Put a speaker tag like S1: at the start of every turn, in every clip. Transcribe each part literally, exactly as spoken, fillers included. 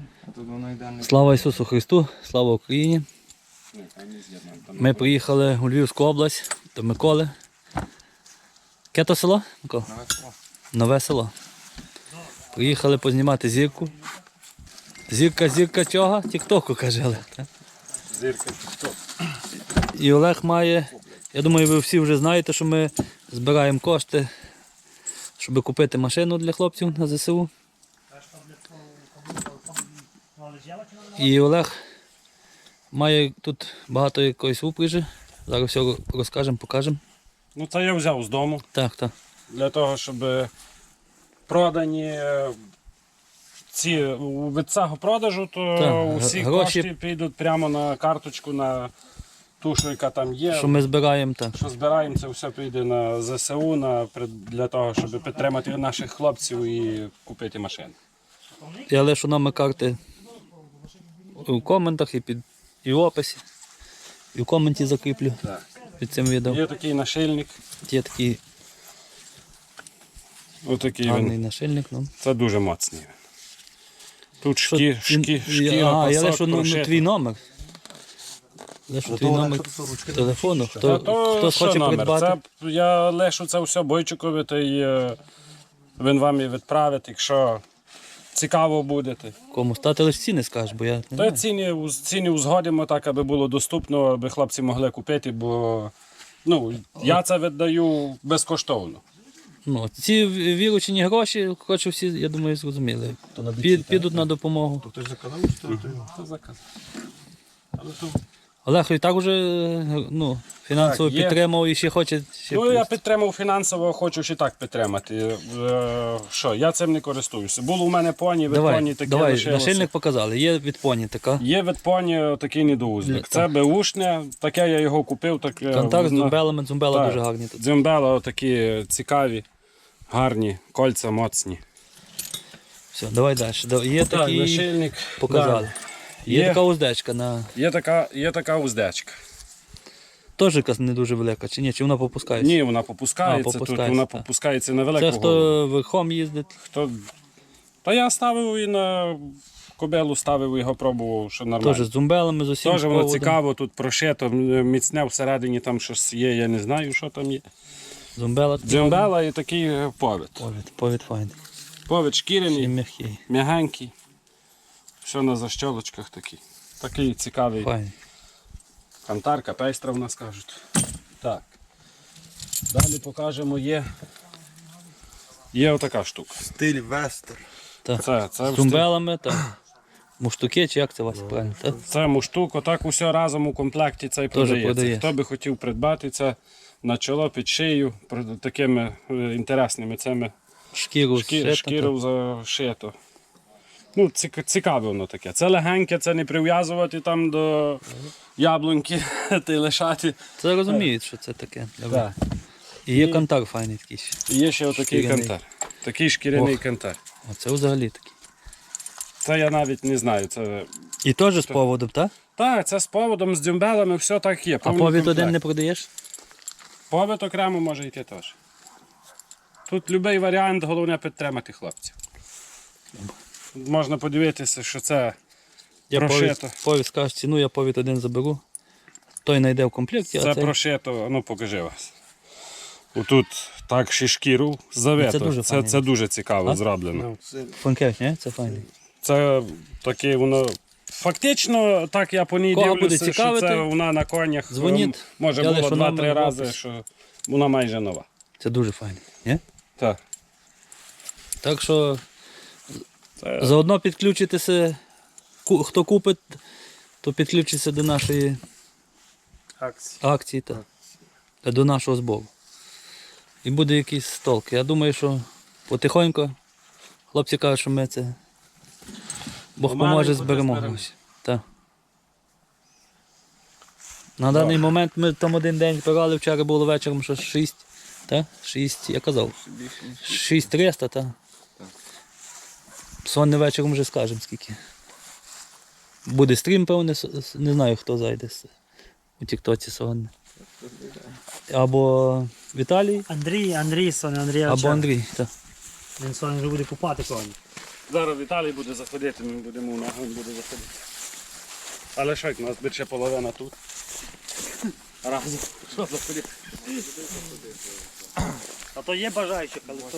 S1: Слава Ісусу Христу, слава Україні. Ми приїхали у Львівську область до Миколи. Яке то село? Микола?
S2: Нове село.
S1: Нове село. Приїхали познімати зірку. Зірка, зірка чого? Тік-току, каже Олег.
S2: Зірка тік-ток.
S1: І Олег має, я думаю, ви всі вже знаєте, що ми збираємо кошти, щоб купити машину для хлопців на ЗСУ. І Олег має тут багато якоїсь упряжі. Зараз все розкажемо, покажемо.
S2: Ну це я взяв з дому.
S1: Так, так.
S2: Для того, щоб продані ці від цього продажу, то
S1: Так,
S2: усі
S1: гроші-
S2: кошти підуть прямо на карточку, на ту, що яка там є.
S1: Що ми збираємо, так.
S2: Що збираємо, це все піде на ЗСУ, на, для того, щоб підтримати наших хлопців і купити машину.
S1: Я лишу номер карти у коментах і, під, і в описі. І в коменті закріплю
S2: Так.
S1: під цим відео.
S2: Є такий нашильник.
S1: Є такий
S2: Отакий
S1: гарний
S2: він.
S1: нашильник. Ну.
S2: Це дуже моцний. Тут
S1: Що,
S2: шкі,
S1: він-
S2: шкі,
S1: а,
S2: шкіра,
S1: я
S2: пасок,
S1: лишу ну,
S2: прошито.
S1: твій номер. Лишу твій номер телефону. Хто,
S2: Та то
S1: хто
S2: що
S1: хоче
S2: номер?
S1: придбати.
S2: Це, я лишу це все Бойчукові, то й, е, він вам і відправить, якщо цікаво будете.
S1: Кому стати лише ціни скажеш, бо я не
S2: То
S1: знаю.
S2: ціни, уз- ціни узгодимо так, аби було доступно, аби хлопці могли купити, бо ну, я це віддаю безкоштовно.
S1: Ну, ці віручені гроші, хочу всі, я думаю, зрозуміли. Під, підуть на допомогу.
S3: Хтось заказав, чи то?
S2: Це заказ.
S1: Олег і так уже ну, фінансово
S2: Так, є.
S1: підтримав і ще хоче. Ще
S2: Ну,
S1: плюс.
S2: я підтримав фінансово, хочу ще так підтримати. Е, що, я цим не користуюся. Було у мене поні, від
S1: Давай,
S2: поні таке
S1: давай
S2: лишилося.
S1: нашильник показали. Є від поні така.
S2: Є від поні такий недоузник.
S1: Так.
S2: Це беушне, таке я його купив. Так, е,
S1: Контакт з
S2: на-
S1: дзумбелами, дзумбела
S2: Так.
S1: дуже гарні тут.
S2: Дзюмбела такі цікаві, гарні, кольця моцні.
S1: Все, давай далі. Да- Є
S2: Так,
S1: такі,
S2: нашильник.
S1: показали. Є,
S2: Є.
S1: така уздечка, на...
S2: Є така, є така уздечка.
S1: теж якась не дуже велика, чи ні? Чи вона попускається?
S2: Ні, вона попускається,
S1: А,
S2: тут
S1: попускається,
S2: вона
S1: так.
S2: попускається на велику
S1: Це
S2: голову.
S1: хто верхом їздить.
S2: Хто... Та я ставив і на кобелу, ставив його, пробував, що нормально.
S1: Теж з дзумбелами, з усім.
S2: Теж воно
S1: проводом.
S2: цікаво, тут прошито, міцне всередині там щось є, я не знаю, що там є.
S1: Дзумбела.
S2: Дзюмбела і такий е, повід.
S1: Повід, повід файний.
S2: Повід
S1: І
S2: шкіряний,
S1: м'який.
S2: м'ягенький. Все на защолочках такий. Такий цікавий.
S1: Файний.
S2: Кантарка, пейстра в нас кажуть. Так. Далі покажемо, є. Є отака штука.
S3: Стиль вестер.
S1: Так.
S2: Це, це,
S1: З
S2: в
S1: дзумбелами, так. Муштуки, чи як це Вася правильно? Так?
S2: Це муштук, отак усе разом у комплекті цей продається.
S1: продається.
S2: Хто би хотів придбати це на чоло під шию, про- такими е, інтересними цими
S1: Шкіру,
S2: шкі,
S1: зшито,
S2: шкіру зашито. Ну, цік- цікаве воно таке. Це легеньке, це не прив'язувати там до яблуньки та й лишати.
S1: так. Це розуміють, що це таке.
S2: Так.
S1: І є кантар файний такий ще.
S2: І є ще отакий
S1: Шкіряний.
S2: кантар. Такий шкіряний
S1: Ох.
S2: кантар.
S1: Оце взагалі такий.
S2: Це я навіть не знаю. Це...
S1: І теж з поводом, так?
S2: Так, це з поводом, з дзюмбелами, все так є.
S1: А
S2: повний
S1: повід
S2: комплект.
S1: один не продаєш?
S2: Повід окремо може йти теж. Тут будь-який варіант, головне підтримати хлопців. Можна подивитися, що це
S1: Я
S2: прошито.
S1: повід, повід скажеш ціну, я повід один заберу. Той знайде в комплекті,
S2: Це
S1: а цей...
S2: прошито, ну покажи вас. Отут так ще шкіру завето.
S1: Це дуже
S2: Це,
S1: файно.
S2: це дуже цікаво
S1: А?
S2: зроблено.
S1: Фанкевич, не? Це файний.
S2: Це таке воно. Фактично, так я по ній
S1: Кого буде
S2: дивлюся, що
S1: цікавити,
S2: це вона на конях.
S1: дзвоніть.
S2: ем, Може
S1: Я
S2: було
S1: лишу
S2: два-три
S1: номер в
S2: рази,
S1: описі.
S2: що вона майже нова.
S1: Це дуже файний. Не?
S2: Так.
S1: Так що
S2: Це...
S1: заодно підключитися, ку- хто купить, то підключиться до нашої
S2: Акції.
S1: акції та до нашого збору. І буде якийсь толк. Я думаю, що потихоньку хлопці кажуть, що ми це Бог
S2: Помаленьку
S1: поможе,
S2: десь
S1: зберемо
S2: зберемо.
S1: гроші. Так. На даний момент ми там один день збирали, вчора було вечором щось шість. Так? шість, я казав. шість триста, так? Сьогодні вечором вже скажемо скільки. Буде стрім, певне, с- с- не знаю, хто зайде с- у Тіктоці сьогодні. Або Віталій,
S4: Андрій, Андрій, Соня, Андрій.
S1: або Андрій. Так.
S4: Він сьогодні вже буде купати коні.
S2: Зараз Віталій буде заходити, ми будемо у ногу, він буде заходити. Але що, як у нас більше половина тут. Разом. Що заходити?
S4: А то є бажаючих, але то...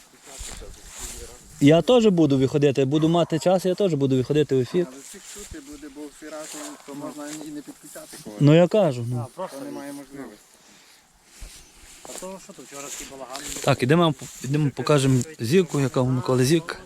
S1: Я теж буду виходити, буду мати час, я теж буду виходити в ефір.
S3: Але всіх чути буде, бо всі разом, то можна і не підключати когось.
S1: Ну я кажу. Ну.
S4: А, просто
S3: То немає можливості.
S4: А то що тут вчора такий балаган?
S1: Так, ідемо, ідемо покажемо зірку, яка у Миколи зірка.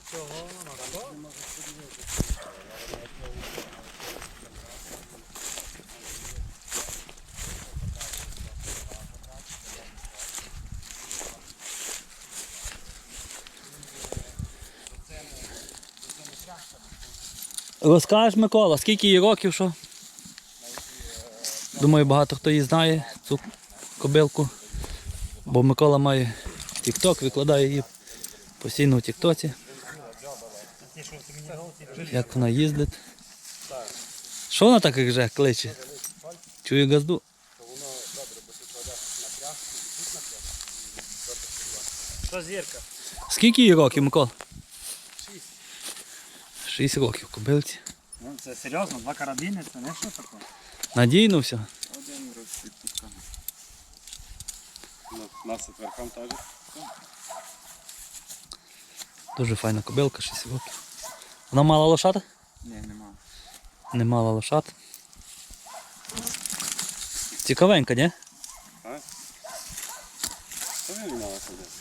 S1: Розкажеш, Микола, скільки їй років, що? Думаю, багато хто її знає, цю кобилку. Бо Микола має тік-ток, викладає її постійно в тік-тоці. Як вона їздить. Що вона так як же кличе? Чує газду?
S4: Що зірка?
S1: Скільки їй років, Микола? Шість. Шість років кобилці.
S4: Ну, це серйозно, два карабіни, це не що таке?
S1: Надійно все.
S3: Один розпідпусканий.
S2: Ну, нас от верхом теж.
S1: Дуже файна кобилка, шість років. Вона мала лошата?
S3: Ні, нема.
S1: Не мала лошат. Цікавенька, ні?
S2: Що він мала ходити?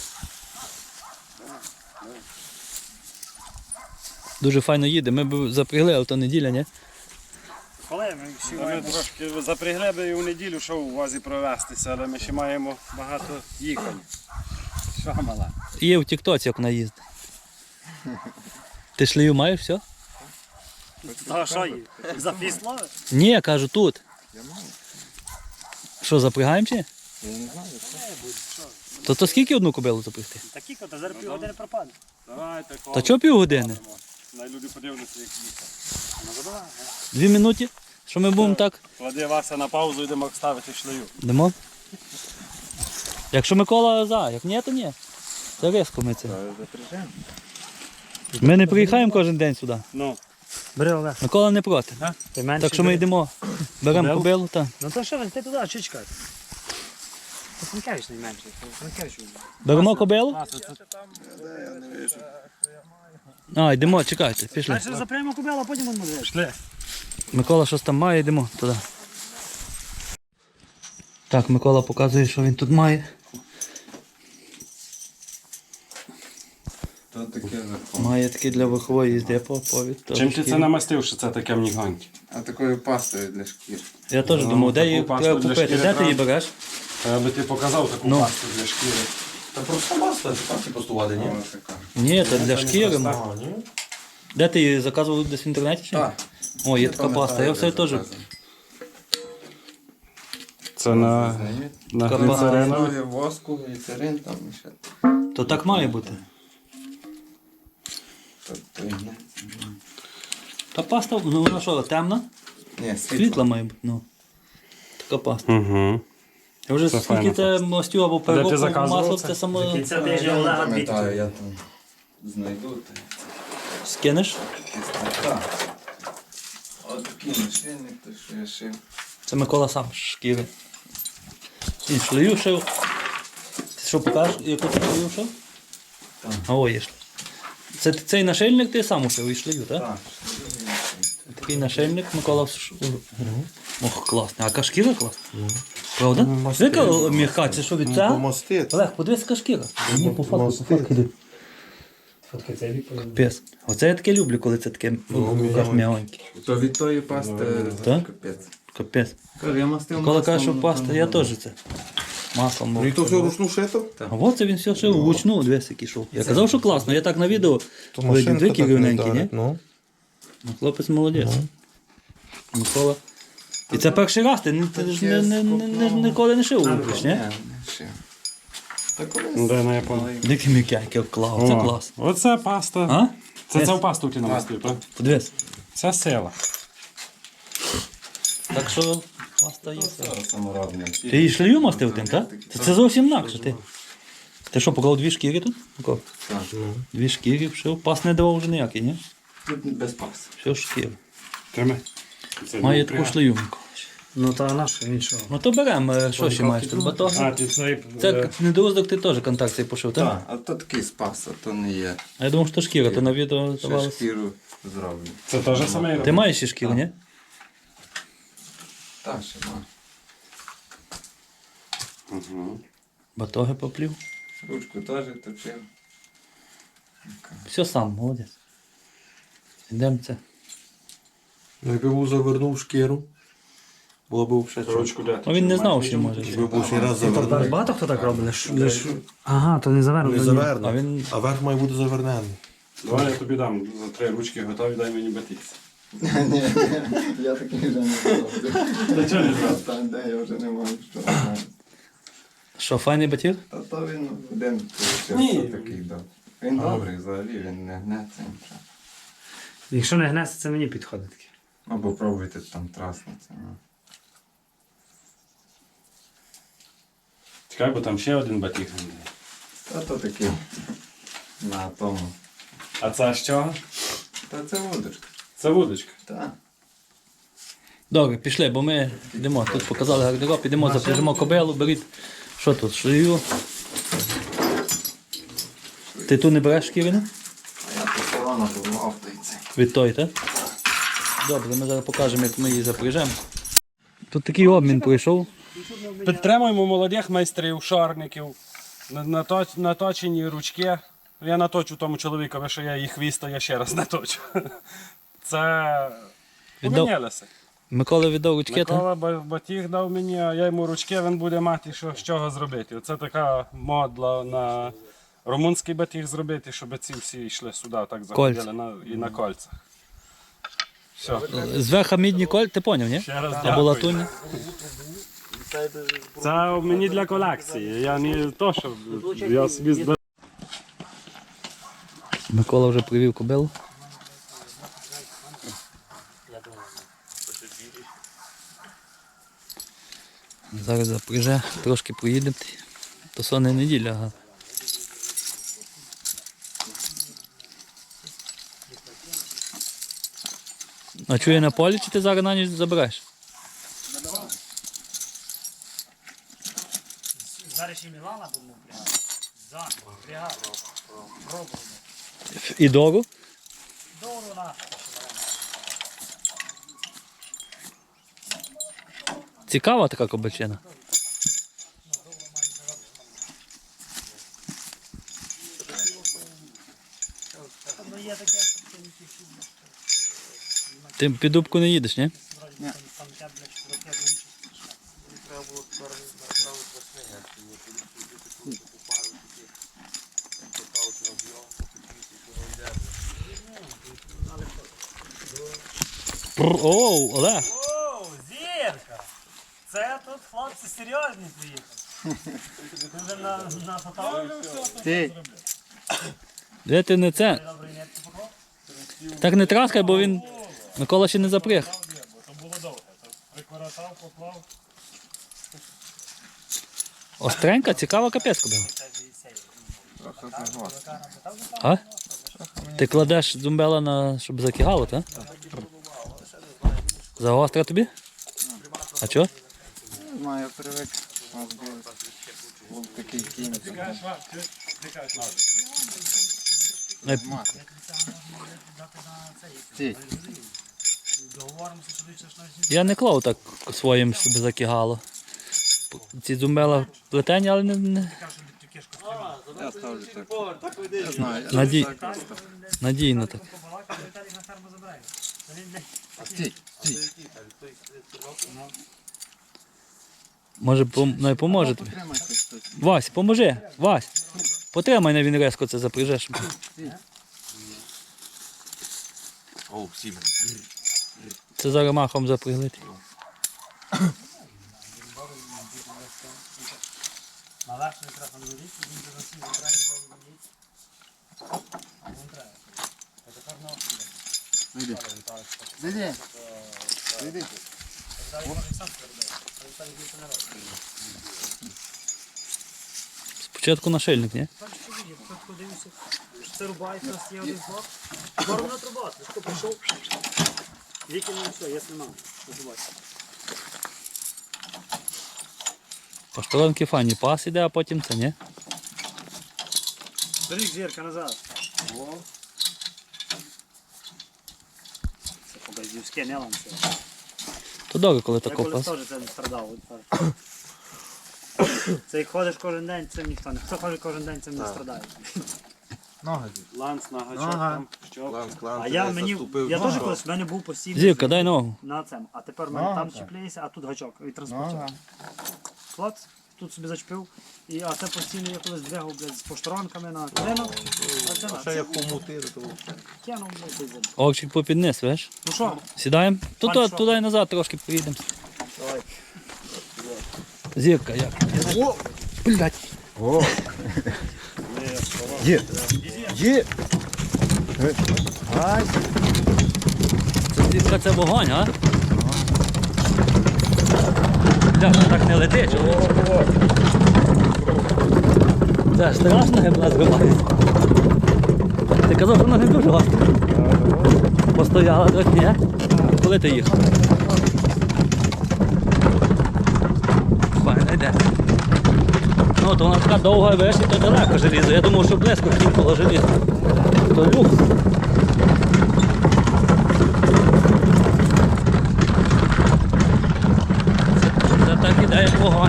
S1: Дуже файно їде. Ми б запрягли, але то неділя, ні?
S4: Коли ми всі
S2: Ми
S4: маємо...
S2: трошки запрягли би і у неділю, що у возі провестися, але ми ще маємо багато їхань. Що мала?
S1: Є в тік-тоці, як вона їздить. Ти шлею маєш все?
S4: А що їй? Запісло?
S1: Ні, я кажу тут.
S3: Я маю.
S1: Що, запрягаємо чи?
S3: Я не знаю.
S1: То то скільки одну кобилу запрягти?
S4: Такі кота, зараз півгодини пропаде.
S2: Давайте,
S1: Та чого півгодини?
S2: Най люди подивляться, як їхати.
S4: Ну, забивай.
S1: Дві минуті? Що ми будемо так?
S2: Клади Вася на паузу, йдемо ставити шлею.
S1: Йдемо? Якщо Микола за, як ні, то ні. Це різко ми це.
S3: Запряжемо.
S1: Ми не приїхаємо кожен день сюди.
S2: Ну,
S4: Бери Олег.
S1: Микола не проти.
S4: Ти менше
S1: Так що ми
S4: бери.
S1: йдемо, беремо
S4: Кобилу?
S1: кобилу та
S4: Ну то що, ти туди, що чекати? Це Франкевич найменший. Франкевич.
S1: беремо кобилу.
S2: Вася, це
S3: Я не вижу.
S1: А, йдемо, чекайте, пішли.
S4: Перше запрямо кобилу, а потім будемо дивитися.
S2: шле.
S1: Микола щось там має, йдемо туди. Так, Микола показує, що він тут має.
S3: То таке верхом.
S1: Має такі для верхової їзди по повід. то
S2: Чим ти
S1: шкірі.
S2: це намастив, що це таке мнігоньке?
S3: А такою пастою для шкір.
S1: Я теж
S2: Ну,
S1: думав, де
S2: таку
S1: її
S2: пасту
S1: треба
S2: для
S1: купити.
S2: шкіри
S1: Де ти її
S2: треба.
S1: береш?
S2: Я би ти показав таку
S1: Ну.
S2: пасту для шкіри.
S5: Та просто масло, це так постувати, ні?
S3: О, така.
S1: Ні, це для шкіри. ну.
S5: А, ні?
S1: Де ти її заказував десь в інтернеті? Чи? ні?
S3: Так.
S1: О, є
S3: Не
S1: така паста.
S3: пам'ятаю,
S1: Я все
S3: де
S1: теж.
S3: заказано.
S2: Це на,
S3: Знаєте?
S2: на
S1: Така
S2: гліцеринові.
S3: Гліцеринові, воску, гліцерин там і ще.
S1: То так має бути.
S3: Тобто, ні.
S1: Та паста, ну вона що, темна?
S3: Ні,
S1: Світла
S3: світло.
S1: має бути. Ну. Така паста.
S2: Угу.
S1: Я вже
S2: Це
S1: скільки
S2: файна
S1: це мастю або переробку
S2: заказував
S1: масло,
S2: це?
S1: це само
S4: До кінця
S3: Я
S4: тижня
S3: не
S4: Олега
S3: пам'ятаю,
S4: дві.
S3: я там знайду. та
S1: скинеш.
S3: якісь там. Так. От такий нашильник, то що я шив.
S1: Це Микола сам з шкіри. І шлею шив. Ти що покажеш, яку ти шлею шив?
S3: Так.
S1: А о, є шлею. Це ти- цей нашильник ти сам ушив і шлею, так?
S3: Так, шлею я шив.
S1: Такий нашильник Микола ш- Ох, класний. А яка шкіра класна? Правда? Яка м'яка, це що від цього?
S3: Помостити.
S1: Олег, подивись, яка шкіра. Ні, по факту, по
S3: Мостити.
S1: факту. іди.
S4: Фотки цей вік.
S1: Капець. Оце я таке люблю, коли це таке в руках м'ягоньке.
S3: То від тої пасти
S1: Так?
S3: капець.
S1: Капець.
S3: Кажу, я мастив
S1: Микола
S3: маслом,
S1: каже, що
S3: ну,
S1: паста,
S3: там,
S1: я
S3: ну,
S1: теж це. Маслом.
S3: Ну і то все ручну шито?
S1: А от це він все шив вручну, дивись, який шов. Я казав, що класно, я так на відео
S5: То
S1: видів,
S5: машинка
S1: дві
S5: так не
S1: рівненькі, ні?
S5: дарить, ну.
S1: Ну, хлопець молодець. Микола. І це перший раз, ти, не- ти ж не, не, не, не, ніколи не шив рукаш, ні?
S3: Ні, не шив. Та колись.
S2: Де на японії?
S1: Дикі м'якенькі, клас, це клас.
S2: Оце паста.
S1: А?
S2: Це цю пасту ти намастив, так?
S1: Подивись.
S2: Це сила.
S1: Так що паста є.
S3: Це саморобне.
S1: Ти її шлею мастив тим, так? Це, це зовсім інакше. Ти. Ти що, поклав дві шкіри тут? Микола?
S3: Так.
S1: Дві шкіри вшив. Пас не давав вже ніякий, ні?
S3: Тут без пас.
S1: Все шкіри.
S2: Тримай. Це
S1: Має
S2: не
S1: таку
S2: прямо.
S1: шлею, Микола.
S4: Ну та наша, він що?
S1: Ну то беремо, е, що ще маєш тут? Батон?
S2: А, ти цей...
S1: Це недоуздок ти теж контакт цей пошив, так?
S3: Так, а то такий спас, а то не є.
S1: А я думав, що шкіра, то на відео
S3: Ще
S1: давалося.
S3: шкіру зроблю.
S2: Це теж саме.
S1: Ти маєш ще шкіру, ні?
S3: Та ще маю.
S2: Угу.
S1: Батоги поплів.
S3: Ручку теж точив.
S1: Все сам, молодець. Йдемо це.
S5: Ну, якби був завернув шкіру, було б ще чого.
S2: Ручку де?
S1: Ну він не знав, що може.
S5: Якби був ще раз
S4: Та
S5: завернув.
S4: багато хто так робить, лиш, лиш... Ага, то не завернуто.
S5: Не
S4: ні.
S5: завернув,
S1: А він-
S5: а верх має бути завернений.
S2: Давай я тобі дам за три ручки готові, дай мені батикс.
S3: Ні, ні, я такий вже не зроблю.
S2: Та чого не зробив?
S3: Та де я вже не можу, що робити.
S1: Що, файний батіг?
S3: Та то він один
S2: Ні.
S3: получився такий добрий. Він добрий взагалі, він не гнеться нічого.
S4: Якщо не гнеться, це мені підходить. таке.
S3: Або пробуйте там траснути. Ну.
S2: Чекай, бо там ще один батіг.
S3: Та то такий на тому.
S2: А це з чого?
S3: Та це вудочка.
S2: Це вудочка.
S3: Та.
S1: Добре, пішли, бо ми йдемо. Тут показали гардероб, йдемо, запряжемо кобилу, беріть. Що тут? Шлею. Ти тут не береш шкірину?
S3: А я по салону був той цей.
S1: Від той, так? Добре, ми зараз покажемо, як ми її запряжемо. Тут такий обмін пройшов.
S2: Підтримуємо молодих майстрів, шорників, на- нато- наточені ручки. Я наточу тому чоловікові, що я їх хвіст, то я ще раз наточу. Це
S1: Віддав-
S2: помінялося.
S1: Микола віддав ручки, так?
S2: Микола ба- батіг дав мені, а я йому ручки, він буде мати що, з чого зробити. Це така модла на румунський батіг зробити, щоб ці всі йшли сюди, так заходили на, і на кольцях. Все.
S1: Зверху мідні коль, ти поняв, ні?
S2: Ще раз
S1: Або
S2: дякую.
S1: латунні.
S2: Це мені для колекції. Я не то, що я собі збираю.
S1: Микола вже привів кобилу. Зараз запряже, трошки проїдемо. То сонна неділя, ага. А чує на полі, чи ти зараз на ніч забереш?
S4: Зараз ще Мілана будемо впрягати. Зараз, впрягати. Пробуємо.
S1: І дору?
S4: Добре наша.
S1: Цікава така кобачина.
S4: Ну є таке, що це не тішить.
S1: Ти під дубку не їдеш, ні?
S4: Там тяблять, що таке дуже.
S1: Пр- Оу, Олег!
S4: Оу, зірка! Це тут хлопці серйозні приїхали. Ти вже на, на фотографію? Ти.
S1: Де ти не це?
S4: Добрий нет поклав?
S1: Так не траскай, бо він Микола ще не запряг.
S2: То було довго. Прикоротав, поклав.
S1: Остренька, цікава капець кобила.
S3: Трохи загвоздка.
S1: А? Ти кладеш дзумбела на, щоб закигало, так? Загостра тобі? А чого?
S3: Не знаю, я привик. У нас був, був такий кінь. Мати. Ті.
S4: Договоримося, що ти щось навіть
S1: Я не клав так своїм, щоб закигало. Ці дзумбела плетені, але не, не
S3: Я ставлю так. Я знаю, я
S1: Наді-
S3: так просто.
S1: надійно так.
S4: побалакав, Віталій на ферму забирає. Та він, блядь,
S3: Стій, стій.
S1: Може, пом... ну, і поможе тобі.
S3: Потримайте хтось.
S1: Вась, поможи, Вась. Потримай на він резко це запряжеш.
S5: О, сім.
S1: Це зараз махом запряглити.
S4: на верхній мікрофон лежить, він до носів забирає, бо він лежить. А він треба. Це тепер на острів.
S3: Зайди. Зайди. Зайди.
S1: Спочатку нашильник, ні?
S4: Так що видів, тут подивився. Це рубається, у нас є один блок. Боровна труба, ти що прийшов? Викинув все, я знімав. Називайся.
S1: По сторонки фані пас іде, а потім це, ні?
S4: Бери зірка назад. О. Це по-газівське, не ланце.
S1: То добре, коли
S4: Я
S1: тако
S4: колись
S1: пас.
S4: теж це не страдав. от так. Це як ходиш кожен день, цим ніхто не. Хто ходить кожен день, цим не страдає.
S5: Ноги.
S2: Ланц на гачок
S5: Ага.
S2: там, щоп.
S5: Клан, клан,
S4: А я мені, я теж колись, в мене був постійний
S1: Зірка, дай ногу.
S4: на цьому. А тепер в мене
S5: Нога,
S4: там
S5: так.
S4: чіпляється, а тут гачок і транспортер.
S5: Нога.
S4: Клац, тут собі зачепив. І, а це постійно я колись двигав, блядь, з поштаранками на клинок. А це на
S5: Ще як хомутир, то
S4: кинув, блядь, і забив.
S1: Окчик попід низ, видиш?
S4: Ну що?
S1: Сідаємо? Тут,
S4: Пан, що?
S1: туди і назад трошки поїдемо.
S4: Давай.
S1: Зірка, як?
S5: О! Блять! О! Є! Є! Ай!
S1: Це зірка, це вогонь, а? Бля, так не лети, чоловік. Це ж страшно, як нас зривається. Ти казав, що вона не дуже важко. Постояла трохи, ні? Коли ти їхав? Файно йде. Ну, то вона така довга, веш, і то далеко желізо. Я думав, що близько кінкало желізо. То люкс. Це, це так іде, як вогонь.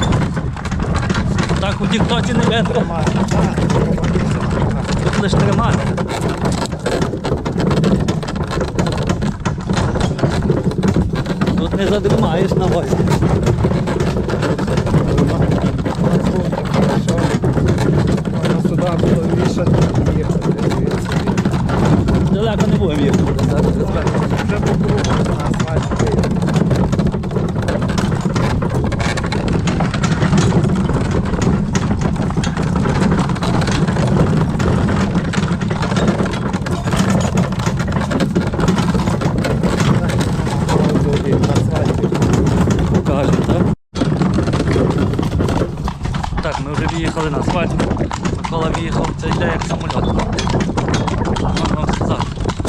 S1: Так у тіктоці не видно. Тут лише тримати. Тут не задримаєш на возі.
S5: Сюди було вішати їхати.
S1: Далеко не будемо їхати. Зараз розберемо.
S5: Вже по кругу на асфальті.
S1: Покажемо, так? Так, ми вже виїхали на асфальт. Микола виїхав, це йде як самоліт. Можна вам сказати.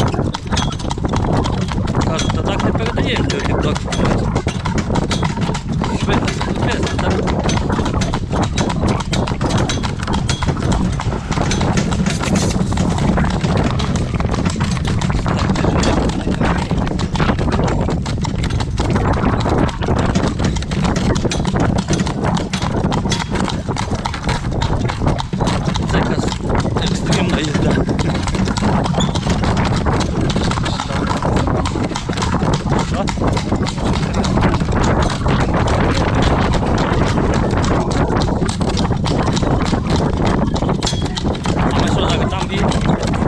S1: Кажуть, та так не передаємо, що тік-ток. Швидко, швидко, так? Це якась екстремна їзда. Що? А ми що, так там їдемо?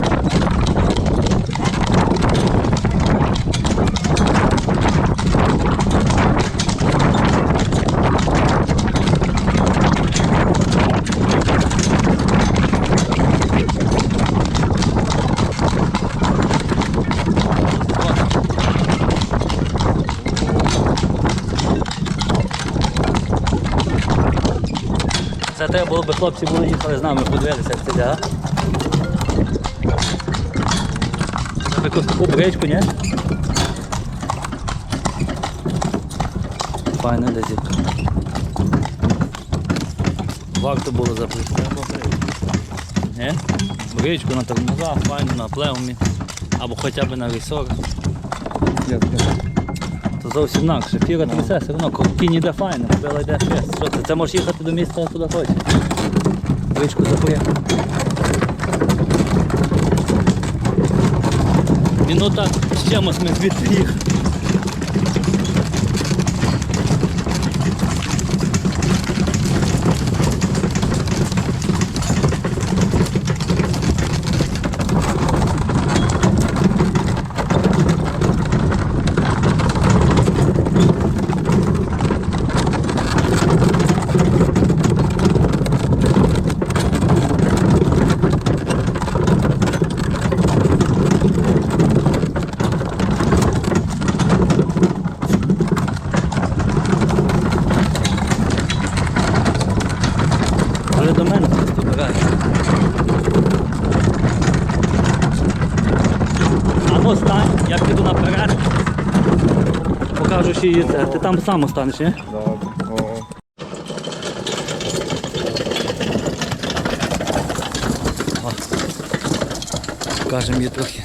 S1: Це треба було б, хлопці були їхали з нами, подивилися, як це йде, а? Треба якусь таку бричку, ні? Файно йде зірка. Варто було запустити. Ні? Бричку на тормозах, файно, на плеумі. Або хоча б на ресорах. То зовсім інакше. Фіра трясе, все одно, кінь іде файно, кобила йде фест. Що це? Це можеш їхати до місця, куди хочеш. Бричку запоїхав. Минута з чимось ми звідси їхали. Я піду наперед. Покажу ще її це. Ти там сам останеш, ні?
S3: Добре. О.
S1: Покажемо її трохи.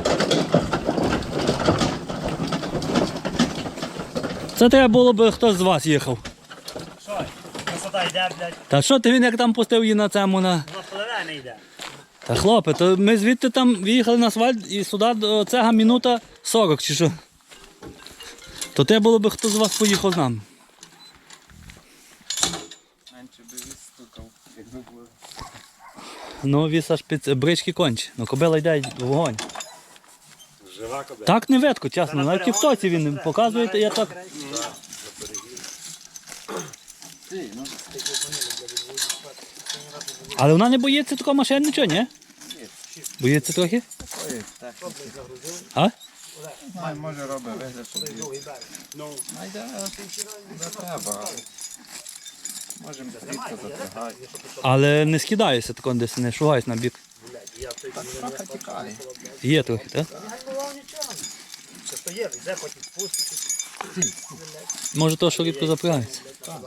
S1: Це треба було б хтось з вас їхав.
S4: Що? Красота йде, блядь.
S1: Та що ти він як там пустив її на цьому на.
S4: Вона пливе не йде.
S1: Та хлопе, то ми звідти там виїхали на асфальт і сюди до цега минута сорок чи що. То те було б хто з вас поїхав з нами.
S3: Менше би відстукав, якби було.
S1: Ну, віс аж під брички конче. Ну, кобила йде в вогонь.
S2: Жива кобила.
S1: Так не видко, чесно. На тіктоці він показує, я так. Але вона не боїться такого машин, нічого, ні? Боїться трохи?
S3: Ой, так.
S1: А?
S3: Май, може робить вигляд, що б'є.
S2: Ну,
S3: Найде, не треба. але Можемо рідко запрягати.
S1: Але не скидаєшся тако десь, не шугаєш на бік.
S3: Так трохи тікає.
S1: Є трохи, так?
S4: Не було нічого. Що то є, йде, потім спуститься.
S1: Може то, що рідко запрягається.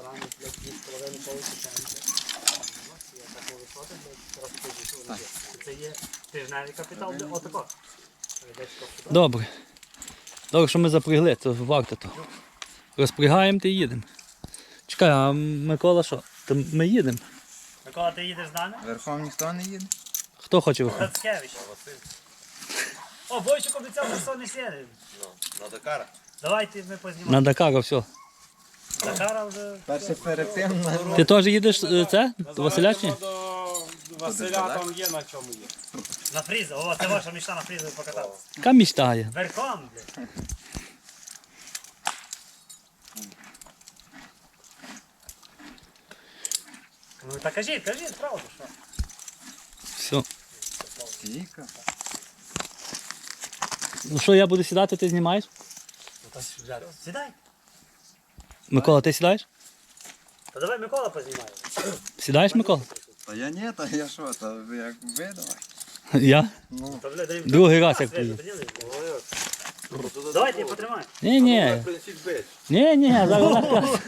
S4: Це є тижневий капітал, де отако.
S1: Добре. Добре, що ми запрягли, то варто то. Розпрягаємо та й їдемо. Чекай, а Микола що? То ми їдемо.
S4: Микола, ти їдеш з нами?
S3: Верхом ніхто не їде?
S1: Хто хоче виходити?
S4: Грацкевич. О, Бойчик обіцяв, що сон не сіде.
S3: На Дакара.
S4: Давайте ми познімаємо.
S1: На Дакара, все.
S4: Дакара вже...
S3: Перше перед тим на...
S1: Ти теж їдеш е, це? До Василя чи ні?
S2: до Василя там є на чому є.
S4: На фрізу. О, це ваша мечта на фрізу покататися.
S1: Яка мечта є?
S4: Верхом, блядь. Ну так кажіть, кажіть, правду, що?
S1: Все.
S3: Тіка.
S1: Ну що, я буду сідати, ти знімаєш?
S4: Ну так сідай.
S1: Микола, ти сідаєш?
S4: Та давай Микола познімає.
S1: Сідаєш, Микола?
S3: Та я ні, та я що, та ви як ви давай.
S1: Я?
S3: Ну,
S4: Та, блядь, дай-
S1: Другий раз як
S4: Свежу,
S1: приїду.
S4: поділи. Давайте, потримай.
S1: Ні, ні. Ні, ні, зараз.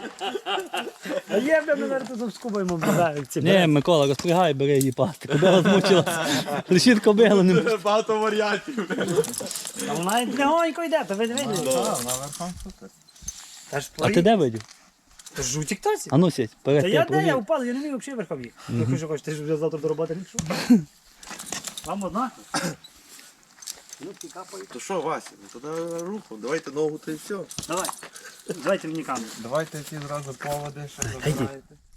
S4: А є, бля, ми зараз тут скубаємо, бля, ці
S1: Ні, Микола, розпрягай, бери її пасти. Кобила змучилася. Лишіть кобилу. Не...
S2: Багато варіантів.
S4: А вона легонько йде, то ви не видите.
S3: так, на верхом супер.
S4: Та ж
S1: А ти де видів?
S4: Та ж у тіктоці.
S1: А ну сідь, перед
S4: Та
S1: тим
S4: я де, я
S1: провір.
S4: упав, я не міг взагалі верхом їх. Ну що хочеш, ти ж вже завтра до роботи не пішов. Вам одна? Ну, ті капають.
S5: То що, Вася, ну тоді руху, давайте ногу та й все.
S4: Давай. Давайте мені камеру.
S3: Давайте всі зразу поводи, що забираєте.